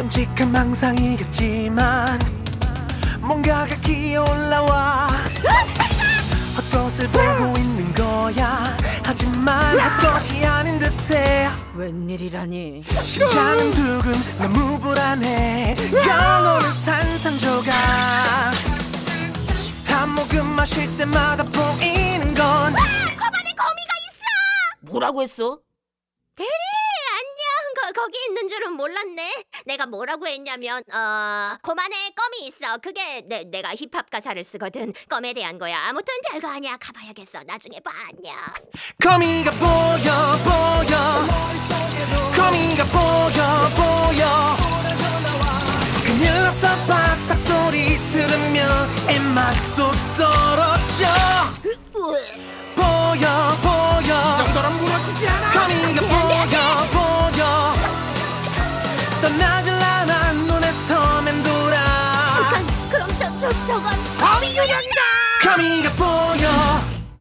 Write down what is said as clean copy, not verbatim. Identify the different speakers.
Speaker 1: 끔찍한 망상이겠지만 뭔가가 기어올라와 헛것을 보고 있는 거야. 하지만 헛것이 아닌 듯해.
Speaker 2: 웬일이라니?
Speaker 1: 심장은 두근 너무 불안해. 영혼은 산산조각. 한 모금 마실 때마다 보이는 건
Speaker 3: 거반에 거미가 있어.
Speaker 2: 뭐라고 했어?
Speaker 3: 대리 안녕. 거기 있는 줄은 몰랐네. 내가 뭐라고 했냐면 고만에 껌이 있어. 그게 내가 힙합 가사를 쓰거든. 껌에 대한 거야. 아무튼 별거 아니야. 가봐야겠어. 나중에 봐. 안녕.
Speaker 1: 거미가 보여 거미가 보여 큰일 났어. 바삭 소리 들으면 입맛도 떨어져. 보여
Speaker 4: 정도는 무너지지 않아.
Speaker 1: 거미가 보여 떠나질 않아. 눈에서 맴돌아.
Speaker 3: 잠깐. 그럼 저건
Speaker 4: 거미 유령이다.
Speaker 1: 거미가 보여